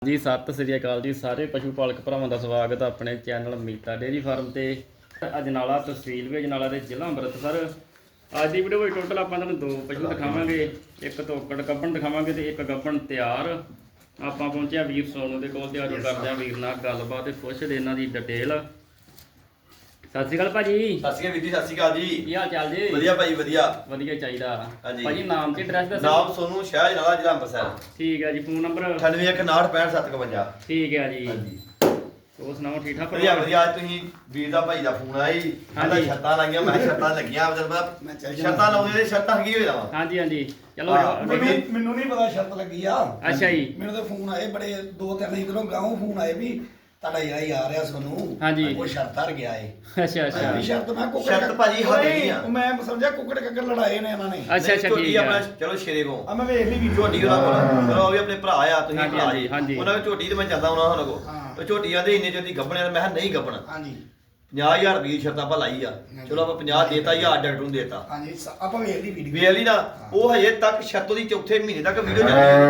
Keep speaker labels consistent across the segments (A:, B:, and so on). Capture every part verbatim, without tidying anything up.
A: ਹਾਂਜੀ ਸਤਿ ਸ੍ਰੀ ਅਕਾਲ ਜੀ ਸਾਰੇ ਪਸ਼ੂ ਪਾਲਕ ਭਰਾਵਾਂ ਦਾ ਸਵਾਗਤ ਆਪਣੇ ਚੈਨਲ ਮੀਤਾ ਡੇਅਰੀ ਫਾਰਮ ਤੇ ਅਜਨਾਲਾ ਤਹਿਸੀਲ ਵੀ ਅਜਨਾਲਾ ਦੇ ਜ਼ਿਲ੍ਹਾ ਅੰਮ੍ਰਿਤਸਰ। ਅੱਜ ਦੀ ਵੀਡੀਓ ਵਿੱਚ ਟੋਟਲ ਆਪਾਂ ਤੁਹਾਨੂੰ ਦੋ ਪਸ਼ੂ ਦਿਖਾਵਾਂਗੇ, ਇੱਕ ਤੋਕੜ ਗੱਭਣ ਦਿਖਾਵਾਂਗੇ ਤੇ ਇੱਕ ਗੱਭਣ ਤਿਆਰ। ਆਪਾਂ ਪਹੁੰਚਿਆ ਵੀਰ ਸੋਨੂ ਦੇ ਕੋਲ ਤੇ ਅੱਜ ਕਰਦੇ ਆ ਵੀਰ ਨਾਲ ਗੱਲਬਾਤ ਤੇ ਪੁੱਛਦੇ ਇਹਨਾਂ ਦੀ ਡਿਟੇਲ। ਸਤਿ ਸ਼੍ਰੀ ਅਕਾਲ ਭਾਜੀ।
B: ਸਤਿ ਸ਼੍ਰੀ ਅਕਾਲ ਵੀਰ ਜੀ। ਸਤਿ ਸ਼੍ਰੀ ਅਕਾਲ ਜੀ।
A: ਕੀ ਹਾਲ ਚਾਲ ਜੀ?
B: ਵਧੀਆ ਭਾਈ ਵਧੀਆ
A: ਵਧੀਆ ਚਾਹੀਦਾ
B: ਹਾਂਜੀ।
A: ਭਾਜੀ ਨਾਮ ਤੇ ਐਡਰੈਸ ਦੱਸੋ।
B: ਨਾਮ ਸੋਨੂ ਸ਼ਹਿਰ ਜਨਾਲਾ ਜ਼ਿਲ੍ਹਾ ਅੰਮ੍ਰਿਤਸਰ।
A: ਠੀਕ ਹੈ ਜੀ। ਫੋਨ ਨੰਬਰ
B: ਅਠਾਨਵੇਂ ਇੱਕ ਉਨਾਹਠ ਪੈਂਹਠ ਸੱਤ ਇਕਵੰਜਾ।
A: ਠੀਕ ਹੈ ਜੀ।
B: ਹਾਂਜੀ
A: ਹੋਰ ਸੁਣਾਓ ਠੀਕ ਠਾਕ?
B: ਵਧੀਆ ਵਧੀਆ। ਅੱਜ ਤੁਸੀਂ ਵੀਰ ਦਾ ਭਾਈ ਦਾ ਫੋਨ ਆਇਆ ਜੀ। ਕਹਿੰਦਾ ਛੱਤਾਂ ਲਾਈਆਂ, ਮੈਂ ਛੱਤਾਂ ਲੱਗੀਆਂ ਮਤਲਬ ਮੈਂ ਛੱਤਾਂ ਲਾਉਂਦੇ ਨੇ ਛੱਤਾਂ ਕੀ ਹੋ ਜਾਵਾਂ।
A: ਹਾਂਜੀ ਹਾਂਜੀ ਚਲੋ
C: ਮੈਨੂੰ ਮੈਨੂੰ ਨਹੀਂ ਪਤਾ ਸ਼ਰਤ ਲੱਗੀ ਆ।
A: ਅੱਛਾ ਜੀ।
C: ਮੈਨੂੰ ਤਾਂ ਫੋਨ ਆਏ ਬੜੇ ਦੋ ਤਿੰਨ ਇਧਰੋਂ ਗਾਉਂ ਫੋਨ ਆਏ ਵੀ ਤੁਹਾਡਾ ਜਿਹੜਾ ਹੀ ਆ ਰਿਹਾ ਸੋਨੂੰ
A: ਹਾਂਜੀ।
C: ਉਹ ਸ਼ਰਤ ਹਰ ਗਿਆ ਏ।
A: ਅੱਛਾ ਅੱਛਾ
C: ਵੀ ਸ਼ਰਤ ਮੈਂ ਕੁੱਕੜ
B: ਸ਼ਰਤ ਭਾਜੀ ਹੱਦ ਨਹੀਂ ਆ।
C: ਮੈਂ ਸਮਝਿਆ ਕੁੱਕੜ ਕੱਕੜ ਲੜਾਏ ਨੇ ਇਹਨਾਂ ਨੇ।
A: ਅੱਛਾ ਅੱਛਾ
B: ਝੋਟੀ
A: ਠੀਕ
B: ਆਪਣਾ
A: ਹੈ।
B: ਚਲੋ ਸ਼ੇਰੇ ਕੋ
C: ਆ ਮੈਂ ਵੇਖ ਲਈ ਵੀ
B: ਝੋਟੀ ਉਹਨਾਂ ਕੋਲ ਚਲੋ ਉਹ ਵੀ ਆਪਣੇ ਭਰਾ ਆ, ਤੁਸੀਂ
A: ਹਾਂਜੀ,
B: ਭਰਾ ਜੀ।
A: ਹਾਂਜੀ।
B: ਉਹਨਾਂ ਦੀ ਝੋਟੀ ਤੇ ਮੈਂ ਜਾਂਦਾ ਉਹਨਾਂ ਉਹਨਾਂ ਕੋ
C: ਹਾਂ।
B: ਉਹ ਝੋਟੀਆਂ ਦੇ ਇੰਨੇ ਚੋਦੀ ਗੱਭਣਿਆ ਮੈਂ ਕਿਹਾ ਨਹੀਂ ਗੱਭਣਾ।
C: ਹਾਂਜੀ
B: ਪੰਜਾਹ ਹਜ਼ਾਰ ਰੁਪਏ ਦੀ ਸ਼ਰਤ ਆਪਾਂ ਲਾਈ ਆ। ਚਲੋ ਆਪਾਂ ਪੰਜਾਹ ਦੇਤਾ ਹਜ਼ਾਰ ਡਾਕਟਰ ਨੂੰ ਦੇਤਾ।
C: ਹਾਂਜੀ ਸ- ਆਪਾਂ ਵੇਖ ਲਈ ਵੀਡੀਓ।
B: ਵੇਖ ਲਈ ਨਾ ਉਹ ਹਜੇ ਤੱਕ ਸ਼ਰਤ ਉਹਦੀ ਚੌਥੇ ਮਹੀਨੇ ਤੱਕ ਵੀਡੀਓ